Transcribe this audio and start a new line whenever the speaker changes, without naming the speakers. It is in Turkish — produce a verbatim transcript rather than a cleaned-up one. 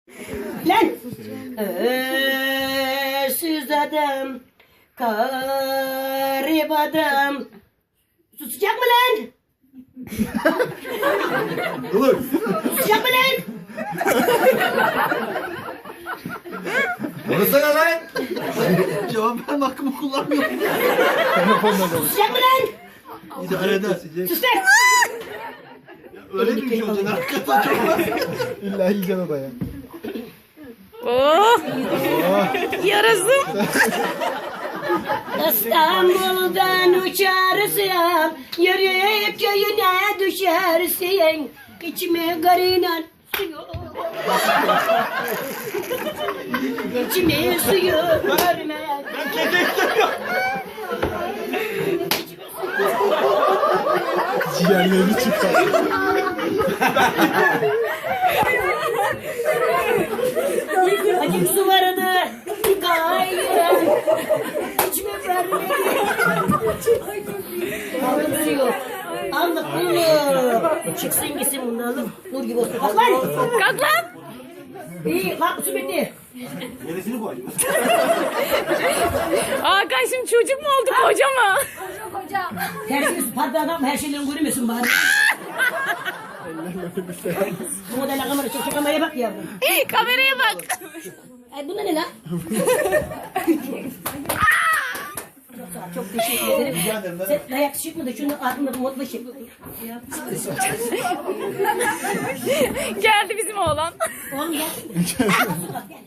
Lan! Örsüz adam, garip adam. Susacak mı lan?
Dur.
Susacak mı lan?
Konuşsana lan.
Cevap verme hakkımı kullanmıyorum.
Susacak mı lan?
İdare eder.
Sus lan!
Öyle bir şey olacak. Hakikaten çok var.
İlla yiyeceksin o da ya.
Oh! Yarasın.
İstanbul'dan uçarsın, yürüyüp köyüne düşersin. İçime garıyla suyu, içime suyu görme.
Ciğerlerini çıkar.
Acım su vardı, gayrı, içime verme. Aldım suyu, aldık bunu. Çıksın gitsin bundan, nur gibi olsun. Kalk lan!
Kalk lan.
İyi, kalk su bitti.
Gerisini koy.
Hakan şimdi çocuk mu oldu koca mı?
Tersiniz patladan her şeyden görmüyorsun bari. Bu model kamera çok çok kameraya bak yavrum.
Kameraya bak.
Ay bunda ne lan? Çok sağ ol, çok teşekkür ederim. Sen dayak çıkmadı şunu altında bu modla şey.
Geldi bizim oğlan.
Oğlum gel. Gel.